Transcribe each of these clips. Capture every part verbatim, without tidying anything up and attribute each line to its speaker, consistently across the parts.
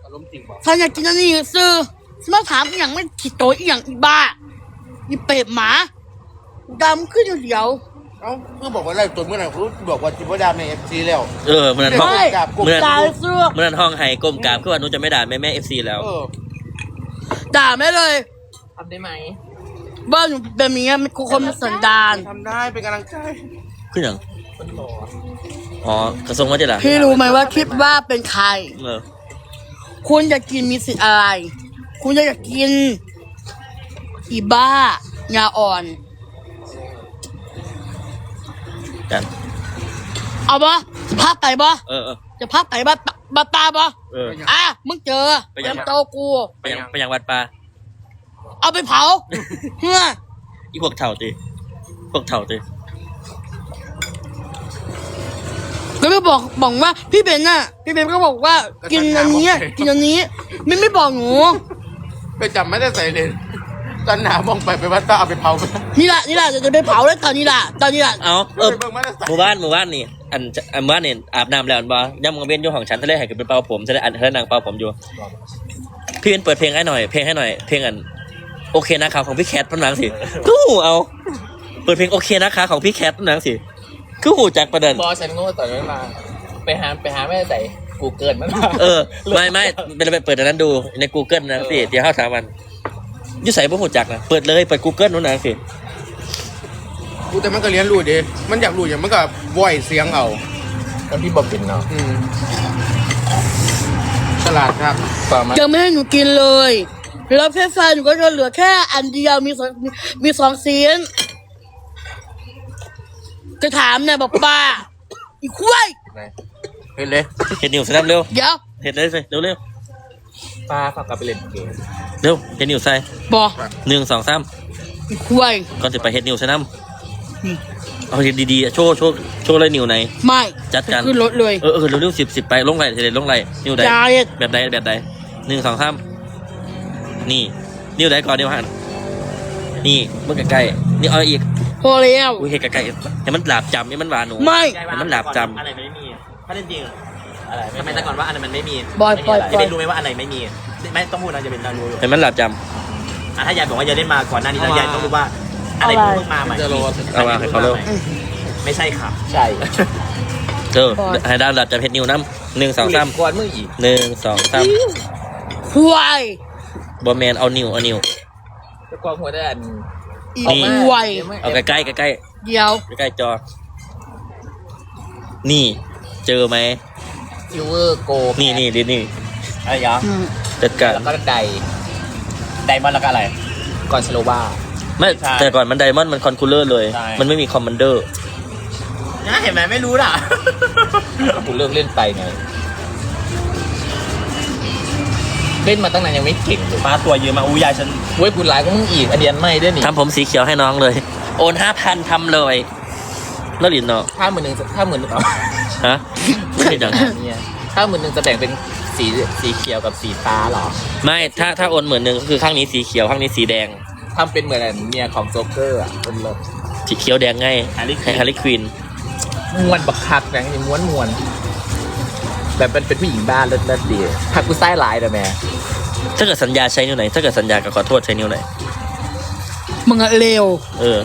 Speaker 1: ารมณ์จริงบอก
Speaker 2: ฉันอยากกินอันนี้ซื้อมาถามอย่างไม่ขีดโตอีอย่างอีบ้าอีเป็ดหมาดำขึ้นเดียว
Speaker 1: เอ้าเมื่อบอกว่าไล่ตัวเมื่อไหร่คุณบอกว่าจิบดาในเอฟซีแล้ว
Speaker 3: เออเมื่อนั้นห้อง
Speaker 2: เมื่อนั้นเมื่
Speaker 3: อนั้นห้องไห้ก้มกราบคือว่าหนูจะไม่ด่าแม่แม่เอฟซีแล้ว
Speaker 2: ด่าไม่เลย
Speaker 4: ทำได้ไหม
Speaker 2: บ้านหนูแบบนี้มันคุคนมันสันดาน
Speaker 1: ทำได้เป็นกำลังใจ
Speaker 3: ขึ้นอย่างอ๋อกระทรวงวัฒนธรรม
Speaker 2: พี่รู้ไหมว่าคิดว่าเป็นใคร
Speaker 3: เออ
Speaker 2: คุณจะกินมีสิทธิ์อะไรคุณจะอยากกินอีบ้ายาอ่อน
Speaker 3: กัน
Speaker 2: เอาปะจะพาไปปะ
Speaker 3: เออเออ
Speaker 2: จะพาไปบ้าบ้าตาปะ
Speaker 3: เออ
Speaker 2: อ่ะมึงเจอเตรียมโตกู
Speaker 3: ไปยังไปยังวัดปลา
Speaker 2: เอาไปเผาเฮ้ย
Speaker 3: อีพวกเถ่าตีพวกเถ่าตี
Speaker 2: ก็ไม่บอกบอกว่าพี่เบนน่ะพี่เบนก็บอกว่ากินอันนี้กินอันนี้ไม่ไม่บอกหนู
Speaker 1: ไปจำไม่ได้ใส่เลยตอนหนามองไปไปวัดตาเอาไปเผาไป
Speaker 2: นี่แหละนี่แหละจะไปเผาแล้วตอนนี้แหละตอนนี้แหละ
Speaker 3: เอาเออหมู่บ้านหมู่บ้านนี่อันอันบ้านนี่อาบน้ำแล้วอันบ่ย่ำมังเว้นอยู่ของฉันทะเลให้กับเป็นเป่าผมทะเลอันทะเลนางเป่าผมอยู่พี่เป็นเปิดเพลงให้หน่อยเพลงให้หน่อยเพลงอันโอเคนะครับของพี่แคทพนังสิกูเอาเปิดเพลงโอเคนะคะของพี่แคทพนังสิกูหูจักประเด็น
Speaker 4: พอฉันโง่ต่อไม่มาไปหาไปหาแม่ใส่กูเกินมัน
Speaker 3: เออไม่ไม่เป็นไปเปิดอันนั้นดูใน Google นะสิเดี๋ยวเข้าถามมันยุ่ใส่พวกหูจักนะเปิดเลยเปิด Google นู้นนะสิ
Speaker 1: กูแต่มันก็เรียนรู้ดิมันอยากรู้อย่างมันก็ว่อยเสียงเอา
Speaker 4: แล้วพี่บอกปิ่นเนาะ
Speaker 1: ฉลาดครับ
Speaker 2: จะไม่ให้หนูกินเลยแล้วแค่ไฟหนูก็จะเหลือแค่อันเดียวมีสองมีสองซีนจะถามเนี่ยบอกป้าอีกคุ้ย
Speaker 3: เห็นเลยเห็นนิวใส่เร็ว
Speaker 2: เดี๋ยว
Speaker 3: เห็นเลยสิเร็วเร็ว
Speaker 4: ป้าฝากกลับไปเล่นเกม
Speaker 3: เร็วเห็นนิวใส่
Speaker 2: บอก
Speaker 3: หนึ่งสองสาม
Speaker 2: อีกคุ้ย
Speaker 3: ก่อนจะไปเห็นนิวใส่น้ำเอาดีๆโชว์โชว์โชว์เลยนิวไหน
Speaker 2: ไม่
Speaker 3: จัดการ
Speaker 2: ขึ้นรถเลย
Speaker 3: เออเออเร็วเร็วสิบสิบไปลงไหลเสร็จลงไหลนิวใดแบบใดแบบใดหนึ่งสองสามนี่นิ้วไหนก่อนนิ้วหันนี่เมื่อใกล้ๆนี่เอาอีก
Speaker 2: พอแล้ว
Speaker 3: อุ้ยเห็นใกล้ๆให้มันหลาบจำให้มันหวานหนู
Speaker 2: ไม่
Speaker 3: ให้มันหลาบจำ
Speaker 4: อะไรไม่มีถ้าเล่นจริงอะไรทำไมแต่ก่อนว่าอะไรมันไม่มี
Speaker 2: บอยบอย
Speaker 4: จะเป็นรู้ไหมว่าอะไรไม่มีไม่ต้องพูดนะจะเป็นการรู้
Speaker 3: ให้มันหลาบจ
Speaker 4: ำถ้ายายบอกว่ายายเล่นมาก่อนหน้านี้แล้วยายต้องรู้ว่าอะไรเพิ่งมาใหม่
Speaker 3: เอาว่าให้เขาเร็ว
Speaker 4: ไม่ใช่ค่ะใช่
Speaker 3: เออให้ดาวหลาบจำเพชรนิ้วน้ำหนึ่งสองสาม
Speaker 4: ก่อนมึงอีก
Speaker 3: หนึ่งสองสาม
Speaker 2: ควาย
Speaker 3: บอแมนเอานิ้วเอานิ้ว
Speaker 4: จะกวางหัวได้อัน
Speaker 2: นี่ควาย
Speaker 3: เอาใกล้ใกล้ใกล้ใกล้
Speaker 2: เดี๋ยว
Speaker 3: ใกล้จอนี่เจอไหม
Speaker 4: ซิลเวอร์โก
Speaker 3: นี่นี่ดินี่
Speaker 4: อะไรยะ
Speaker 3: จัดการ
Speaker 4: แล้วก็ไดไดมอนด์แล้วก็อะไรก่อนสโลบา
Speaker 3: ไม่แต่ก่อนมันไดมอนด์มันคอนคูลเลอร์เลยมันไม่มีคอมมานเดอร์
Speaker 4: น่าเห็นไหมไม่รู้ล่ะกูเลิกเล่นไปไงเล่นมาตั้งนานยังไม่เก่งเลย
Speaker 3: มาตัวเยอะมาอู้ยายฉัน
Speaker 4: เว้ยกูหลายก็มึงอีกอันเดียนไม่ด้วยนี่
Speaker 3: ทำผมสีเขียวให้น้องเลยโอนห้าพันทำเลยแล้วหลินเนาะ
Speaker 4: ถ้าหมื่นหนึ่งถ้าหมื่นหนึ่ง
Speaker 3: ฮะไม่ใช่ดัง
Speaker 4: เนี่ยถ้าหมื่นหนึ่งจะแบ่งเป็นสีสีเขียวกับสีฟ้าหรอ
Speaker 3: ไม่ถ้าถ้าโอนหมื่นหนึ่งคือข้างนี้สีเขียวข้างนี้สีแดง
Speaker 4: ทำเป็นเหมือนเมียของโจ๊กเกอร์อ่ะเป็นรถ
Speaker 3: สีเขียวแดงไงให้ฮาริควิน
Speaker 4: ม้วนบักคักแบงนี่ม้วนม้วนแบบเป็นเป็นผู้หญิงบ้านเลิศเลิศดีถ้ากูไส้ลายแต่แม่
Speaker 3: ถ้าเกิดสัญญาใช้นิ้วไหนถ้าเกิดสัญญาก็ขอโทษใช้นิ้วไหน
Speaker 2: มึงอะเลว
Speaker 3: เออ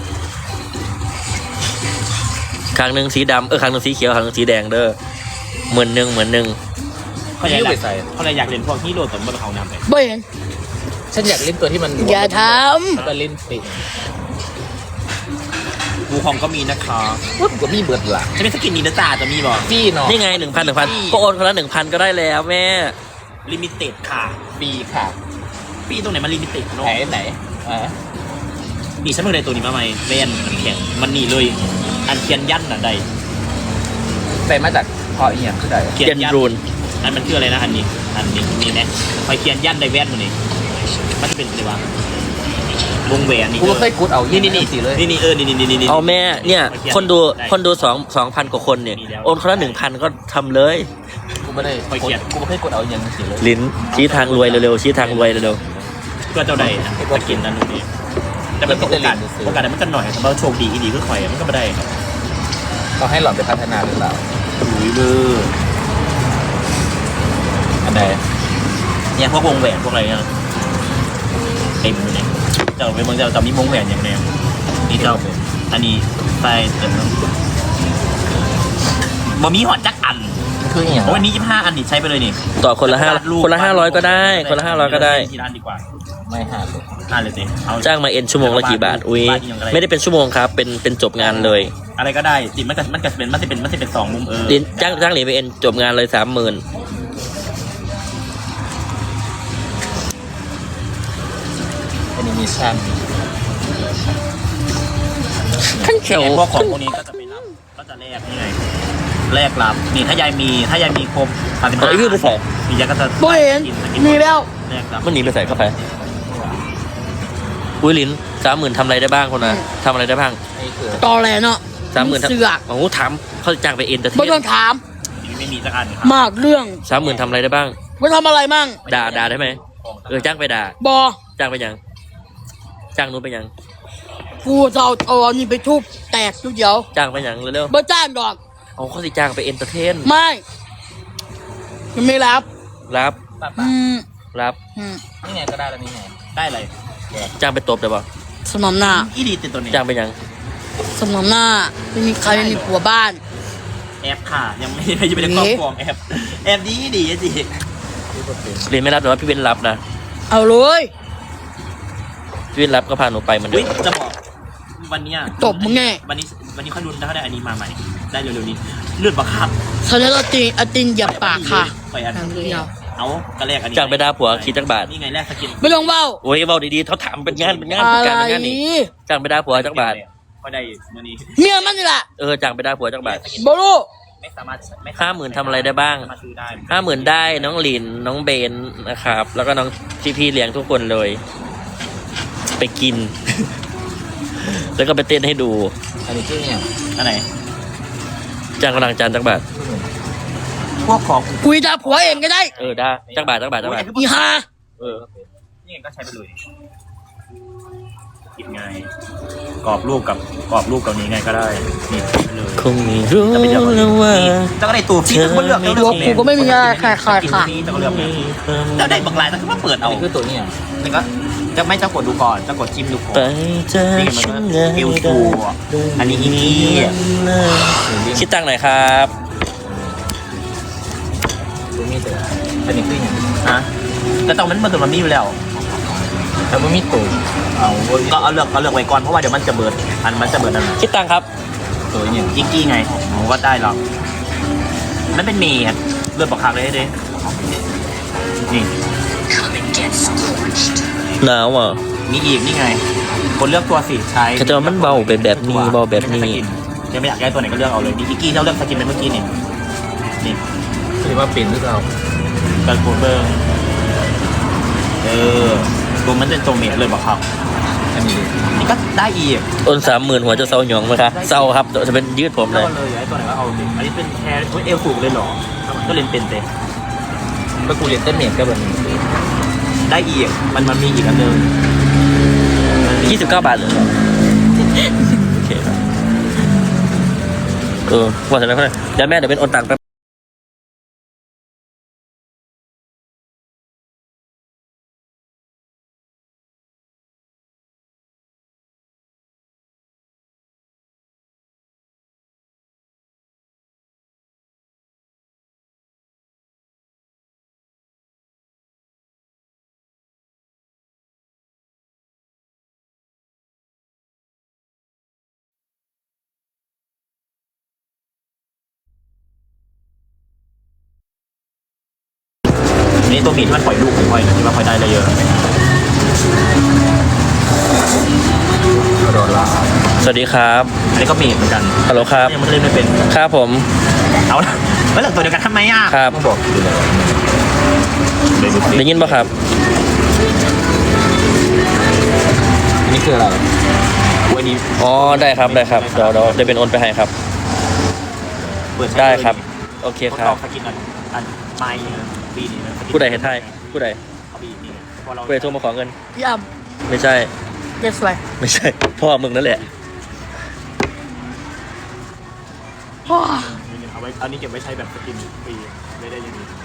Speaker 3: ครั้งหนึ่งสีดำเออครั้งหนึ่งสีเขียวครั้งหนึ่งสีแดงเด้อเหมือนหนึ่งเหมือนหนึ่ง
Speaker 4: เขาอยากเขาเลยอยากเล่นพวกที่โดดสมบัติของน้ำไป
Speaker 2: บ่เห็น
Speaker 4: ฉันอยากเล่นตัวที่มัน
Speaker 2: อย่าท
Speaker 4: ำแล้วก็เล่นติบูคองก็มีนะคะว่ากูก็มีเบิร์ดละจะเป็นสกินนี้นะจ๊ะจะมีบอกพี่เนาะ
Speaker 3: นี่ไงหนึ่งพันหนึ่งพันก็โอนคนละหนึ่งพันก็ได้แล้วแม่
Speaker 4: ลิมิเต็ดค่ะปีค่ะปีตรงไหนมันลิมิเต็ดเนาะไหนไหนอ่านี่ฉันเพิ่งได้ตัวนี้มาใหม่แว่นมันแข็งมันนี่เลยอันเทียนยันอะใดใส่มาจากพออีกอย่างคือใด
Speaker 3: เทียนรูน
Speaker 4: อันมันคืออะไรนะอันนี้อันนี้นี่นะคอยเทียนยันได้แว่นมันนี่มันจะเป็นอะไรวะวงแหวนนี่กูเคยกูดเอานี่นี่นี่สิเลยนี่นี่เออนี่นี่นี่นี่
Speaker 3: เอาแม่เนี่ยคนดูคนดูสองสองพันกว่าคนเนี่ยโอนคนละหนึ่งพันก็ทำเลย
Speaker 4: กูไม่ได้คอยเขียนกูไม่เคยกดเอาอย่างสิเลย
Speaker 3: ลิ้นชี้ทางรวยเร็วๆชี้ทางรวยเร็ว
Speaker 4: ๆก็เจ้าใดก็กินนั่นนี่แต่มันโอกาสโอกาสมันก็หน่อยแต่ว่าโชคดีอีดีก็คอยมันก็ไม่ได้ต้องให้หล่อนไปพัฒนาหรือเปล่าอุ้ยมืออันไหนเนี่ยพวกวงแหวนพวกอะไรเนี่ยเต็มเลยเนี่ยเจ้าเป็นเมืองเจ้าจะมีวงแหวนอย่างเนี้ยนี่เจ้าอันนี้ใส่เต็มแล้วบ่มีหอดจักอัน
Speaker 1: คืออย่าง
Speaker 4: โอ้ยนี่ยี่สิบห้าอันนี่ใช้ไปเลยนี่
Speaker 3: ต่อคนละห้าคนละห้าร้อยก็ได้คนละห้าร้อยก็ได้
Speaker 4: ที่ร้านดีกว่า
Speaker 1: ไม่หาเลย
Speaker 4: ห้าเลยสิเอา
Speaker 3: จ้างมาเอ็นชั่วโมงละกี่บาทอุ้ยไม่ได้เป็นชั่วโมงครับเป็นเป็นจบงานเลย
Speaker 4: อะไรก็ได้จิมันก็มันก็เป็นมันจะเป็นมันจะเป็นสองมุมเออ
Speaker 3: เรียนจ้างจ้างเหรียญไปเอ็นจบงานเลยสามหมื่น
Speaker 1: แอนิเมชั่น
Speaker 3: ขั้นเขียว
Speaker 4: พวกของพวกนี้ก็จะไปรับก็จะแลกนี่ไงแลกรับนี่ถ้ายายมีถ้ายายมีครบสามสิบ
Speaker 3: เอา
Speaker 4: ห้า
Speaker 3: ไอ้พี่ไปใส่
Speaker 4: มียายก็จะ
Speaker 2: บ่เห็น
Speaker 4: กิกิ
Speaker 2: มีแล้ว
Speaker 4: แลกรับ
Speaker 3: มันหนีไปใส่กาแฟอุ้ยลิ้นสามหมื่นทำอะไรได้บ้างคนนะทำอะไรได้บ้าง
Speaker 1: นี่คือ
Speaker 2: ตอแหลเนาะ
Speaker 3: สามหมื่น
Speaker 2: เสือก
Speaker 3: โอ้โหถามเขาจะจ้างไปเอ็นแต่
Speaker 2: ไม่ต้องถาม
Speaker 4: ไม่มีสักอันครับ
Speaker 2: มากเรื่อง
Speaker 3: สามหมื่นทำอะไรได้บ้าง
Speaker 2: ไม่ทำอะไรมั่ง
Speaker 3: ด่าด่าได้ไหมเออจ้างไปด่า
Speaker 2: บอ
Speaker 3: จ้างไปยังจ้างนู้นไปยัง
Speaker 2: กูจะเอาเอาอันนี้ไปทุบแตกทุกเดียว
Speaker 3: จ้างไปยังเร็ว
Speaker 2: บ่จ้างดอก
Speaker 3: ๆเอาเขาสิจ้างไปเอ็นเตอร์เทน
Speaker 2: ไม่ยังไม่รับ
Speaker 3: รับ
Speaker 2: อืม
Speaker 3: รับ
Speaker 2: อืม
Speaker 1: นี่ไงก็ได้แล้วนี่ไง
Speaker 4: ได้เลย
Speaker 3: จ้างไปตบได้ปะ
Speaker 2: สมน้ำหน้า
Speaker 4: อีดีติดตัวนี้
Speaker 3: จ้างไปยัง
Speaker 2: สมน้ำหน้าไม่มีใครไม่มีผัวบ้าน
Speaker 4: แอปค่ะยังไม่ยังไม่ได้ครอบครองแอปแอปดีดีสิ
Speaker 3: เรียนไม่รับแต่ว่าพี่เว้นรับนะ
Speaker 2: เอาเลย
Speaker 3: พี่เว้นรับก็พาหนูไปเหมือนเดิ
Speaker 4: อุ้ย
Speaker 3: ม
Speaker 4: จะบอกวันเนี้ย
Speaker 2: ตบมึงแน่
Speaker 4: วันนี้วันนี้ค่อยรุนถ้าได้อันนี้มาใหม่ได้เร็วๆนี้เลือดบักคับ
Speaker 2: ฉันจะเอาตีนเอาตีนเหยียบปากค่ะ
Speaker 4: ไปอัน
Speaker 2: อย่างเดียว
Speaker 4: เอากระแลกอันนี้
Speaker 3: จ้างไปด่าผัวคิดจักบาท
Speaker 4: นี่ไงแลกสกิน
Speaker 2: ไม่ต้องเว้า
Speaker 3: โอ้ยเบาดีๆเขาถามเป็นงานเป็นงาน
Speaker 2: อะ
Speaker 3: เป็น
Speaker 2: ไร
Speaker 3: การเป็นงานนี่จ้างไปด่าผัวจักบาท
Speaker 4: ก็ได้มื่อนี้
Speaker 2: เมียมันนี่แหละ
Speaker 3: เออจ้างไปด่าผัวจักบาท
Speaker 2: บรู้
Speaker 4: ไม่สามารถไม่
Speaker 3: ห้าหมื่นทำอะไรได้บ้าง
Speaker 4: สามารถซื้อได้
Speaker 3: ห้าหมื่นได้น้องหลินน้องเบนนะครับ แล้วก็น้องพี่พี่ๆเลี้ยงทุกคนเลย ไปกิน แล้วก็ไปเต้นให้ดู
Speaker 1: อันนี้คืออย่าง
Speaker 4: อันไหน
Speaker 3: จ้างกำลังจานจักบาท
Speaker 4: พวกของ
Speaker 2: คุยด่าผัวเองก็ได้
Speaker 3: เออได้จักบาทจักบาทจักบาท
Speaker 2: อีห่า
Speaker 3: เออ
Speaker 4: นี่ไงก็ใช้ไปเลยกินไงกรอบรูปกับกรอบรูปกับนี้ไงก็ได้นี่ไปเลย
Speaker 3: คงไม่รู้แล้วว่า
Speaker 4: เจ้าก็ได้ตัวฟรีทั้งหมดเลือกเลือก
Speaker 2: ตัวกูก็ไม่มีอะไรค่ะค่ะค่ะ
Speaker 4: เจ้าก็เลือกเนี่ยเจ้าได้บางรายแต่ก็มาเปิด
Speaker 1: อัน
Speaker 4: เอา
Speaker 1: นี้คือตัวนี้อ่ะ
Speaker 4: นี่ก็จะไม่เจ้ากดดูก่อนเจ้ากดจิ้มดูก่อน
Speaker 3: ไปเจอ
Speaker 4: นี่ไง
Speaker 3: ฉั
Speaker 4: มัน
Speaker 3: น
Speaker 4: ก็เอลทูอันนี้อีกี้
Speaker 3: คิดตังค์หน่อยครับ
Speaker 1: ตัวนี้ตัวอันนี้คืออย่าง
Speaker 4: ฮะแต่ตอนนั้นมันตัวมันมีอยู่แล้ว
Speaker 1: แต่ว่ามีตัวเอาบน
Speaker 4: ก็เอาเลือกเอาเลือกไว้ก่อนเพราะว่าเดี๋ยวมันจะเบิดอันมันจะเบิดอัน
Speaker 3: คิดตังค์ครับ
Speaker 1: ตัวเนี่ย
Speaker 4: อีกี้ไงผมก็ได้หรอกมันเป็นเมย์ครับเลือดประคักเลยเด้นี่
Speaker 3: หนาวอ่ะ
Speaker 4: มีอีกนี่ไง คนเลือกตัวสิใช้
Speaker 3: เขาจะว่ามันเบาเป็นแบบนี้เบาแบบนี้
Speaker 4: ยังไม่อยากได้ตัวไหนก็เลือกเอาเลยมีอีกี้เราเลือกสกินเป็นเมื่อกี้นี่นี่
Speaker 1: คือว่าเป็นหรือเปล่า
Speaker 4: การโคเบิร์เออตัวมันเป็นตัวเมียเลยบอกครับ
Speaker 1: อันนี้
Speaker 4: นี่ก็ได้อีก
Speaker 3: ต้นสามหมื่นหัวจะเศร้าหยองไหมคะเศร้าครับจะเป็นยืดผมเล
Speaker 4: แล้
Speaker 3: ย
Speaker 4: วเลยไอ้ตัวไหนก็เอาดิอันนี้เป็นแคร์เอลสูงเลยเหรอก็เล่นเป็นเต้
Speaker 1: เมื่อกูเรียนเต้นเมียก็แบบนี้
Speaker 4: ได้อีกมันมันมีอีกอันหนึง
Speaker 3: ยี่สิบเก้าบาทเลยโอเคครับเออว่าแต่แล้วเดี๋ยวแม่เดี๋ยวเป็นโอนตังค์แป๊บ
Speaker 4: นี่ตัวหมีที่มันปล่อยลูกของค่อยนะที่ว่าค่อยได้เลยเยอะ
Speaker 1: รอลา
Speaker 3: สวัสดีครับ
Speaker 4: อันนี้ก็หมีเหมือนกัน
Speaker 3: ฮัลโหลครับ
Speaker 4: ยังไม่ได้เล่นไม่เป็น
Speaker 3: ครับผม
Speaker 4: เอาละแล้วเหลือตัวเดียวกันทำไมอ่ะ
Speaker 3: ครับ
Speaker 1: ต้องบอกอยู่แล้ว
Speaker 4: เลยดูสิ
Speaker 3: ได้ยินป่ะครับ
Speaker 1: อันนี้คืออะไร
Speaker 4: วันนี้
Speaker 3: อ๋อได้ครับได้ครับเดี๋ยวเดี๋ยวเดี๋ยวเป็นโอนไปให้ครับ
Speaker 4: เปิดใช้
Speaker 3: ได้ครับ โอเค
Speaker 4: ทด
Speaker 3: ครั
Speaker 4: ล
Speaker 3: บ
Speaker 4: องสกินอันอันไม้ปีนี้นะ
Speaker 3: ผู้ใดเห็นไทยผู้ใด
Speaker 4: เอาปีนี้พอเรา
Speaker 3: ผู้ใดโทรมาขอเงิน
Speaker 2: พี่อ้ํ
Speaker 3: ไม่ใช่
Speaker 2: เด็ดสวย
Speaker 3: ไม่ใช่ พ่อมึงนั่นแหละ
Speaker 2: พ่อ
Speaker 4: เอาไว้อันนี้เก็บไว้ใช้แบบสกินฟรีได้ได้ยังไง